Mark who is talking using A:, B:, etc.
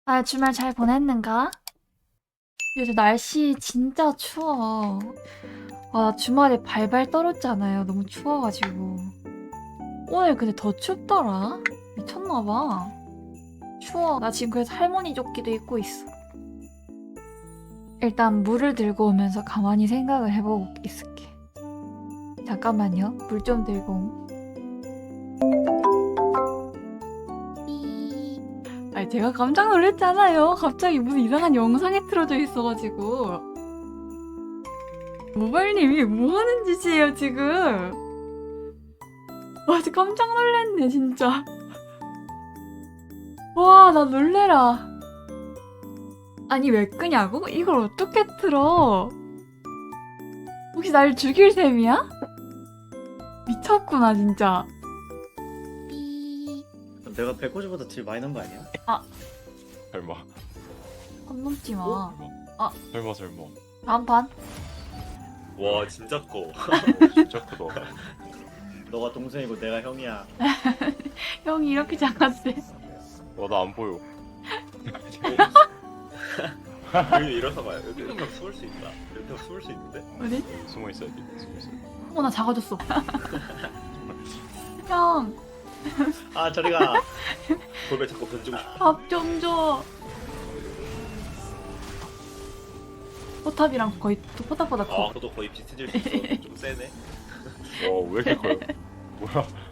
A: 아, 주말 잘 보냈는가? 요즘 날씨 진짜 추워. 나 주말에 발발 떨었잖아요. 너무 추워가지고. 오늘 근데 더 춥더라. 미쳤나봐. 추워. 나 지금 그래서 할머니 조끼도 입고 있어. 일단 물을 들고 오면서 가만히 생각을 해보고 있을게. 잠깐만요. 물 좀 들고 옴. 아니 제가 깜짝 놀랐잖아요. 갑자기 무슨 이상한 영상이 틀어져 있어가지고. 모발님이 뭐하는 짓이에요 지금? 와 진짜 깜짝 놀랐네 진짜. 와 나 놀래라. 아니 왜 끄냐고? 이걸 어떻게 틀어? 혹시 날 죽일 셈이야? 미쳤구나 진짜.
B: 내가 백호지보다 딜 많이 난 거 아니야?
C: 설마.
A: 선 넘지 마.
C: 어? 설마.
A: 다음 판.
D: 와 진짜 커.
C: 진짜 크다.
B: 너가 동생이고 내가 형이야.
A: 형이 이렇게 작았대.
C: 와, 나 안 보여.
D: 여기 일어서 봐요. 여기 이렇게 숨을 수 있다. 이렇게 숨을 수 있는데?
A: 어디?
C: 숨어 있어야지. 숨어 있어.
A: 나 작아졌어. 형,
D: 아 저리가. 돌배 자꾸 던지고 싶어.
A: 밥 좀 줘. 포탑이랑 거의 포탑보다 커.
D: 아 저도 거의 비슷해질 수 있어. 좀 세네.
C: 와, 왜 이렇게 커요? 뭐야?